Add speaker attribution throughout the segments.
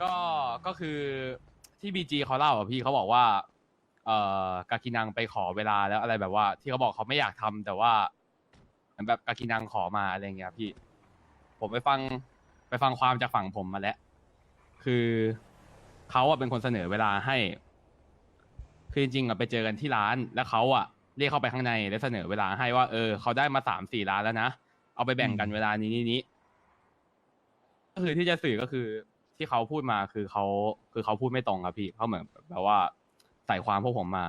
Speaker 1: ก็ก็คือที่บีจีเขาเล่าอ่ะพี่เขาบอกว่า กากินังไปขอเวลาแล้วอะไรแบบว่า ที่เขาบอกเขาไม่อยากทำแต่ว่าเหมือนแบบกากินังขอมาอะไรเงี้ยพี่ ผมไปฟังความจากฝั่งผมมาแล้ว คือเขาอะเป็นคนเสนอเวลาให้ คือจริงๆอะไปเจอกันที่ร้านแล้วเขาอะเรียกเข้าไปข้างในแล้วเสนอเวลาให้ว่าเขาได้มา3-4 ล้านแล้วนะเอาไปแบ่งกันเวลานี้ก็คือที่จะสื่อก็คือที่เขาพูดมาคือเขาพูดไม่ตรงครับพี่เขาเหมือนแบบว่าใส่ความพวกผมมา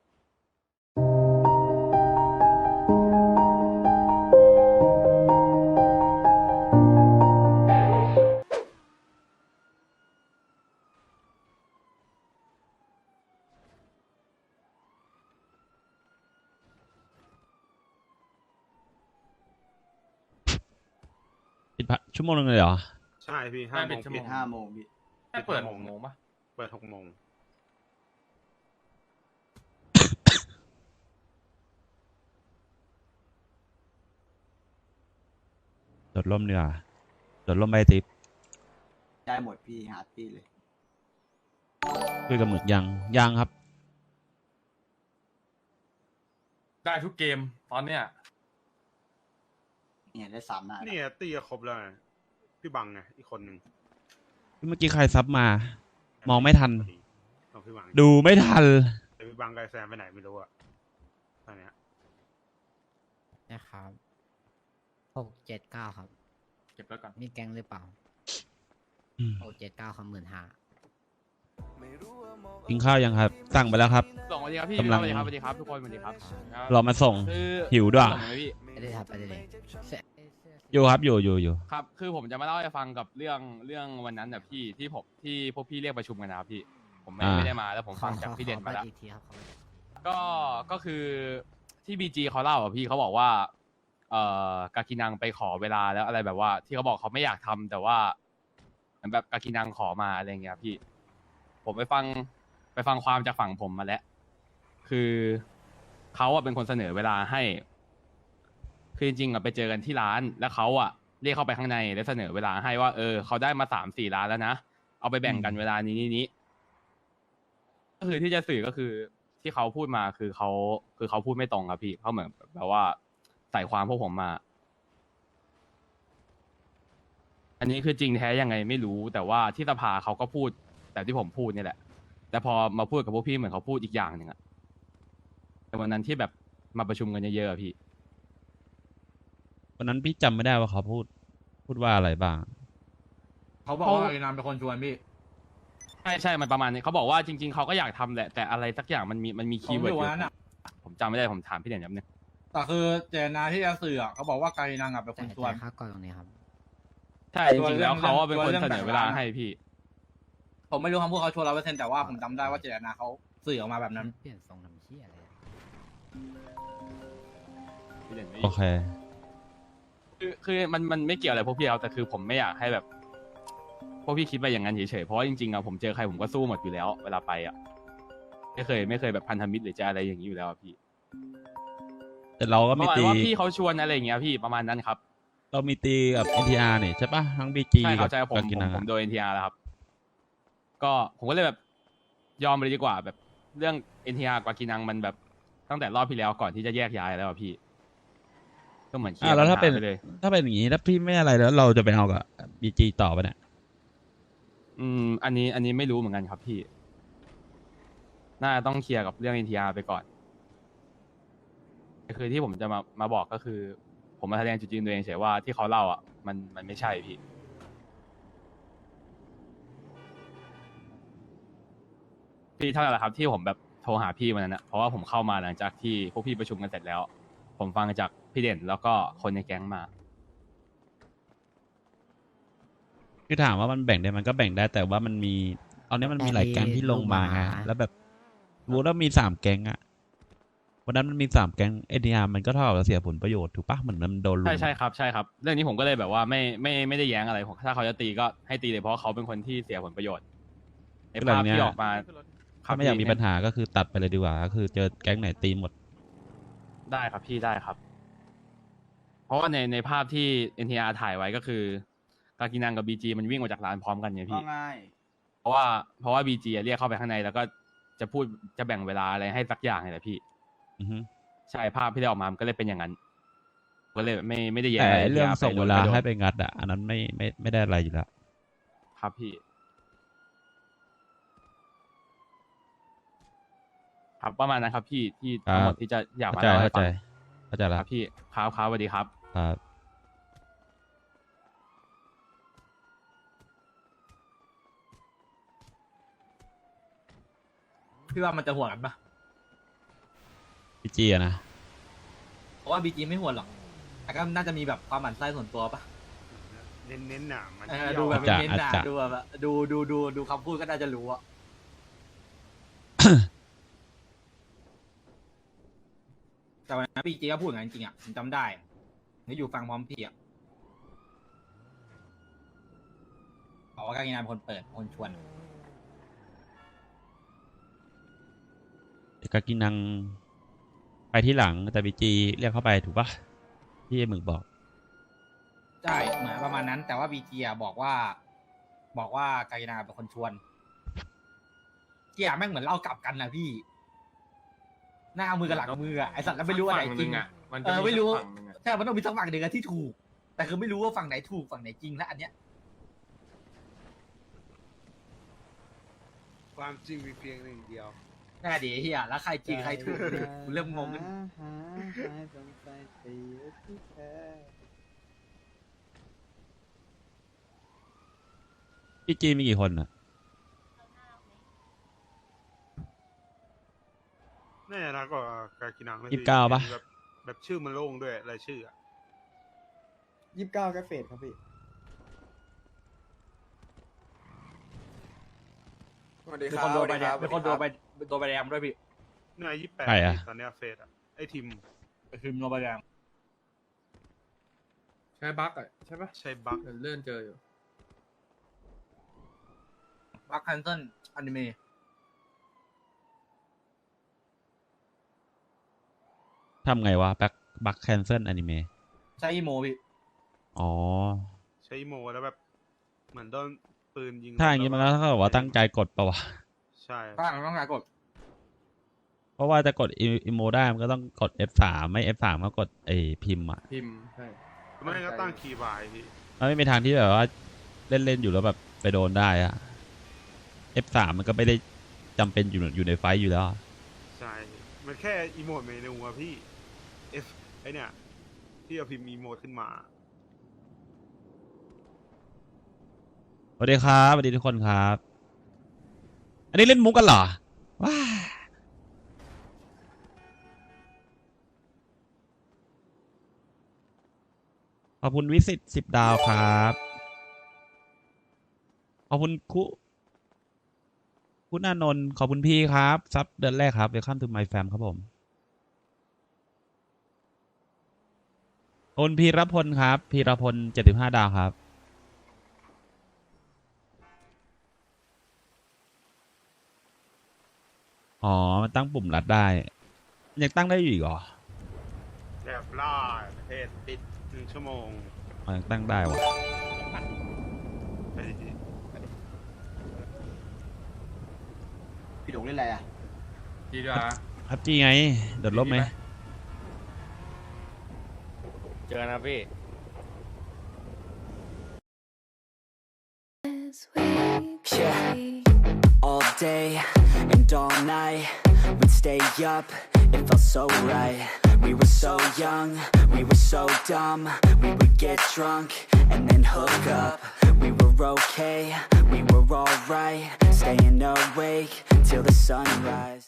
Speaker 2: ปิดชั่วโมงนึงเลยเหรอ
Speaker 3: ใช่พี่
Speaker 1: ไม่
Speaker 3: ห้าโม
Speaker 1: ปิด
Speaker 3: ง
Speaker 1: ชั่วโม
Speaker 3: ปิ
Speaker 1: ง
Speaker 3: ด
Speaker 4: 5 โมงพี่
Speaker 1: ไม่เปิด6 โมงปะ
Speaker 3: เปิด6 โมง
Speaker 2: โดดร่มเนื้อโดดร่มใบติบ
Speaker 4: ได้หมดพี่หาพี่เลย
Speaker 2: คุยกับหมึกยังครับ
Speaker 1: ได้ทุกเกมตอนเนี้ย
Speaker 4: เนี่ยได้3 หน้า
Speaker 3: นี่ตีก็ครบแล้วไงพี่บังไงอีกคนหนึ่ง
Speaker 2: เมื่อกี้ใครซับมา มองไม่ทัน
Speaker 3: เอาพี่บัง
Speaker 2: ดูไม่ทัน
Speaker 3: แต่พี่บังกับไอ้แซมไปไหนไม่รู้อะตอนเนี้ย
Speaker 5: นะครับ679ครับ
Speaker 1: เก็บแล้วก่อน
Speaker 5: มีแก๊งหรือเปล่า
Speaker 2: อืม
Speaker 5: 679ครับ15,000
Speaker 2: กินข้าวยังครับ สั่งไปแล้วครับ
Speaker 1: สวัสดีครับพี่
Speaker 2: กำลัง
Speaker 1: สวัสดีครับทุกคนสวัสดีครับ
Speaker 2: รอมาส่ง
Speaker 1: คือ
Speaker 2: หิวด้วย
Speaker 1: ส่งไหมพี่
Speaker 5: ไม่ได้ครับไปเลย
Speaker 2: อยู่ครับอยู่
Speaker 1: ครับ คือผมจะมาเล่าให้ฟังกับเรื่องวันนั้นแบบพี่ที่พวกพี่เรียกประชุมกันนะครับพี่ ผมไม่ได้มาแล้วผมฟังจากพี่เด่นมาแล้ว
Speaker 5: อีกทีครับ
Speaker 1: ก็คือที่บีจีเขาเล่าอ่ะพี่เขาบอกว่า กากินังไปขอเวลาแล้วอะไรแบบว่า ที่เขาบอกเขาไม่อยากทำแต่ว่าเหมือนแบบกากินังขอมาอะไรเงี้ยพี่ ผมไปฟังความจากฝั่งผมมาแล้ว คือเขาอะเป็นคนเสนอเวลาให้ คือจริงๆอะไปเจอกันที่ร้านแล้วเขาอะเรียกเข้าไปข้างในแล้วเสนอเวลาให้ว่าเขาได้มา3-4 ล้านแล้วนะเอาไปแบ่งกันเวลานี้ก็คือที่จะสื่อก็คือที่เขาพูดมาคือเขาพูดไม่ตรงครับพี่เขาเหมือนแบบว่าใส่ความพวกผมมา อันนี้คือจริงแท้ยังไงไม่รู้ แต่ว่าที่สภาเขาก็พูดแต่ที่ผมพูดนี่แหละแต่พอมาพูดกับพวกพี่เหมือนเขาพูดอีกอย่างหนึ่งอะแต่วันนั้นที่แบบมาประชุมกันเยอะๆอะพี่
Speaker 2: วันนั้นพี่จำไม่ได้ว่าเขาพูดว่าอะไรบ้าง
Speaker 6: เขาบอกว่าไอ้นามเป็นคนชวนพี่
Speaker 1: ใช่มันประมาณนี้เขาบอกว่าจริงๆเขาก็อยากทำแหละแต่อะไรสักอย่างมันมี
Speaker 6: ผ
Speaker 1: คีย์
Speaker 6: ม
Speaker 1: เวิ
Speaker 6: อ
Speaker 1: ร์ด
Speaker 6: ยู่
Speaker 1: อยู่
Speaker 6: วันนั้นอ่ะ
Speaker 1: ผมจำไม่ได้ผมถามพี่เด่นแป๊บนึง
Speaker 6: แต่คือเจตนาที่จะสื่ออะเขาบอกว่าไกนางอ่ะเป็นคนชวน
Speaker 5: ค่าก่อนตรงนี้ครับ
Speaker 1: ใช่จริงๆแล้วเขาว่าเป็นคนเสนอเวลาให้พี่
Speaker 6: ผมไม่รู้คำพูดเขาชวน100%แต่ว่าผมจำได้ว่าเจตนาเขาสื่อออกมาแบบนั้น
Speaker 5: เปลี่ยนทรงทำเชี่ยอะไรอะ
Speaker 1: พี่เด่นไม่
Speaker 2: โอเค
Speaker 1: คือมันไม่เกี่ยวอะไรพวกพี่เอาแต่คือผมไม่อยากให้แบบพวกพี่คิดไปอย่างนั้นเฉยๆเพราะว่าจริงๆอะผมเจอใครผมก็สู้หมดอยู่แล้ว เวลาไปอะไม่เคยแบบพันธมิตรหรือจะอะไรอย่างนี้อยู่แล้วอะพี่
Speaker 2: แต่เราก็
Speaker 1: ประ
Speaker 2: มี
Speaker 1: มาณ
Speaker 2: ตี
Speaker 1: ว่าพี่เขาชวนอะไรอย่างเงี้ยพี่ประมาณนั้นครับ
Speaker 2: เรามีตีกับ NTR นี่ใช่ปะทั้ง BG
Speaker 1: ใช่ค
Speaker 2: กั
Speaker 1: รั
Speaker 2: บบ
Speaker 1: ใช่ผม
Speaker 2: กากินัง
Speaker 1: ผ
Speaker 2: อะ
Speaker 1: มโดน NTR แล้วครับ ก็ผมก็เลยแบบยอมไปเลยดีกว่าแบบเรื่อง NTR กับกินังมันแบบตั้งแต่รอบที่แล้วก่อนที่จะแยกย้ายแล้วอะพี่ ก็เหมือนเคลียร์
Speaker 2: แล้ว
Speaker 1: ปัญ
Speaker 2: ถ้า
Speaker 1: หา
Speaker 2: เป็น
Speaker 1: ไปเลย
Speaker 2: ถ้าเป็นอย่างนี้ถ้าพี่ไม่อะไรแล้วเราจะไปเอากับ BG ต่อไปเนี่ย
Speaker 1: อันนี้ไม่รู้เหมือนกันครับพี่ น่าจะต้องเคลียร์กับเรื่อง NTR ไปก่อนคือที่ผมจะมาบอกก็คือ ผมมาแสดงจุดยืนตัวเองเฉยว่าที่เขาเล่าอ่ะมันไม่ใช่พี่ พี่เท่านั้นแหละครับที่ผมแบบโทรหาพี่วันนั้นนะเพราะว่าผมเข้ามาหลังจากที่พวกพี่ประชุมกันเสร็จแล้ว ผมฟังจากพี่เด่นแล้วก็คนในแก๊งมา
Speaker 2: คือถามว่ามันแบ่งได้มันก็แบ่งได้แต่ว่ามันมีตอนนี้มันมีหลายแก๊งที่ลงมาไงแล้วแบบรู้แล้วมี3 แก๊งอะวันนั้นมันมี3 แก๊ง NTR มันก็เท่ากับเสียผลประโยชน์ถูกปะเหมือนมันโดนลุม
Speaker 1: ใช่ครับเรื่องนี้ผมก็เลยแบบว่าไม่ได้แย้งอะไรผมถ้าเขาจะตีก็ให้ตีเลยเพราะเขาเป็นคนที่เสียผลประโยชน์ในภาพที่ออกมา
Speaker 2: ถ้าไม่อยากมีปัญหาก็คือตัดไปเลยดีกว่าก็คือเจอแก๊งไหนตีหมด
Speaker 1: ได้ครับพี่ได้ครับ เพราะว่าในภาพที่ NTR ถ่ายไว้ก็คือกากินังกับ BG มันวิ่งมาจากร้านพร้อมกันไง
Speaker 4: ว่า
Speaker 1: พี่
Speaker 4: ง่าย
Speaker 1: เพราะว่าบีจีเรียกเข้าไปข้างในแล้วก็จะพูดจะแบ่งเวลาอะไรให้สักอย่างเลยแหละพี่
Speaker 2: อือฮึ
Speaker 1: ใช่ภาพที่ได้ออกมามันก็เลยเป็นอย่างนั้นก็เลยไม่ได้แย่
Speaker 2: แต่
Speaker 1: อะไร
Speaker 2: เรื่อง
Speaker 1: ที่
Speaker 2: ส่งเวลา
Speaker 1: ไปโดน
Speaker 2: ให้ไปงัดอ่ะอันนั้นไม่ได้อะไรอยู่แล้ว
Speaker 1: ครับพี่ครับประมาณนั้นครับพี่ที่ทั้งหมดที่จะอยากมา
Speaker 2: เข้าใจ
Speaker 1: เล่าให้
Speaker 2: เข้าใจ
Speaker 1: ฟัง
Speaker 2: เข้าใจ
Speaker 1: ค
Speaker 2: แล้
Speaker 1: รั
Speaker 2: ว
Speaker 1: บพี่ครับสวัสดีครับ
Speaker 2: ครับ
Speaker 6: พี่ว่ามันจะห่วงกันปะ
Speaker 2: พี่จีอะนะ
Speaker 6: เพราะว่าบีจีไม่ห่วงหรอกแต่ก็น่าจะมีแบบความหมั่นไส้ส่วนตัวปะ
Speaker 3: เน้นๆน่ะมัน
Speaker 6: ดูแบบ
Speaker 2: อาจจะ
Speaker 6: เน้นๆ
Speaker 2: อา
Speaker 6: นะ
Speaker 2: จจะ
Speaker 6: ดูแบบดูคำพูดก็น่าจะรู้อะ แต่วันนั้นบีจีก็พูดอย่างนั้นจริงๆอ่ะผมจำได้นี่อยู่ฟังพร้อมพี่อ่ะบอกว่าการกินนานเป็นคนเปิดคนชวน
Speaker 2: เด็กกากินังไปที่หลังแต่บีจีเรียกเข้าไปถูกปะที่ไอ้หมึกบอก
Speaker 6: ใช่เหมือนประมาณนั้น แต่ว่าบีจีอ่ะบอกว่าการกินนานเป็นคนชวนเกียร์แม่งเหมือนเล่ากลับกันนะพี่ หน้ามือกับหลังมืออ่ะไอสัตว์แล้วไม่รู้ว่าไหนจริงอ่ะ
Speaker 1: มันจะ
Speaker 6: ไม่รู้
Speaker 1: สักฝั่งหนึ่งอะ
Speaker 6: ใช่มันต้องมีสักฝั่งหนึ่งอะที่ถูก แต่คือไม่รู้ว่าฝั่งไหนถูกฝั่งไหนจริงและอันเนี้ย
Speaker 3: ความจริงมีเพียงหนึ่งเดียว
Speaker 6: น่าดีเฮียแล้วใครจริงใครถูกเนี่ยกูเริ่มงงกัน
Speaker 2: พี่จีมีกี่คนอ่ะ
Speaker 3: น่าจะนักกว่ากากินังนะ
Speaker 2: 29ปะ
Speaker 3: แบบชื่อมันโล่งด้วยรายชื่ออะ
Speaker 7: 29ก็เฟดครับพี่
Speaker 4: สวัสดี
Speaker 6: มี
Speaker 4: ค
Speaker 6: ครับ นโดนใบแดง
Speaker 4: สวัส
Speaker 6: มีคนโดน
Speaker 4: รับ
Speaker 6: โดนใบแดงด้วยพี่
Speaker 3: นี่อายุ28
Speaker 2: ใครอะ
Speaker 3: ตอนเนี้ยเฟสอะไอทีม
Speaker 6: คือโดนใบแดง
Speaker 8: ใช่บั๊กอ่ะใช่ปะ
Speaker 3: ใช้บัค
Speaker 8: เลื่อนเจออยู่
Speaker 6: บัคคันเซิลอนิเมะ
Speaker 2: ทำไงวะบักแคนเซิลอนิเมะ
Speaker 6: ใช้อีโมพี่
Speaker 2: อ๋อ
Speaker 3: ใช้โมแล้วแบบเหมือนโดนปืนยิง
Speaker 2: ถ้าอย่างงี้มันก็เท่ากับว่าตั้งใจกดปะวะ
Speaker 3: ใช่
Speaker 6: ถ้าต้องการกด
Speaker 2: เพราะว่าจะกดอีโมได้มันก็ต้องกด F3 ไม่ F3 ก็กดไอพิมพ์อ่ะ
Speaker 8: พิมพ์ใช่
Speaker 3: ไม่งั้นก็ตั้งคีย์บายพี่
Speaker 2: มันไม่มีทางที่แบบว่าเล่นอยู่แล้วแบบไปโดนได้อะ F3 มันก็ไม่ได้จำเป็นอยู่ในไฟท์อยู่แล้วอะ
Speaker 3: ใช่มันแค่อีโมดเมนูอะพี่ F ไอเนี่ยที่เอาพิมพ์อีโมดขึ้นมา
Speaker 2: สวัสดีครับสวัสดีทุกคนครับ อันนี้เล่นมุกกันเหรอว้าขอบคุณวิสิต10 ดาวครับ ขอบคุณคุณอานนท์ขอบคุณพี่ครับซับเดือนแรกครับเวลคัมทูไมแฟมครับผมขอบคุณพีรพลครับพีรพล75 ดาวครับอ๋อมันตั้งปุ่มรัดได้ยังตั้งได้อยู่อีกเหรอ
Speaker 3: แบบล่าประเทศปิด1 ชั่วโมง
Speaker 2: อ๋อยังตั้งได้วะ
Speaker 3: ไปดิ
Speaker 4: พี่หลงเล่นอะไรอ่ะ
Speaker 8: ดีด้วย
Speaker 2: ครับจีไงโดดร่มไหม
Speaker 1: เจอนะพี่
Speaker 9: Yeah, all day and all night, we'd stay up, it felt so right. We were so young, we were so dumb, we would get drunk and then hook up. We were okay, we were alright, staying awake till the sunrise.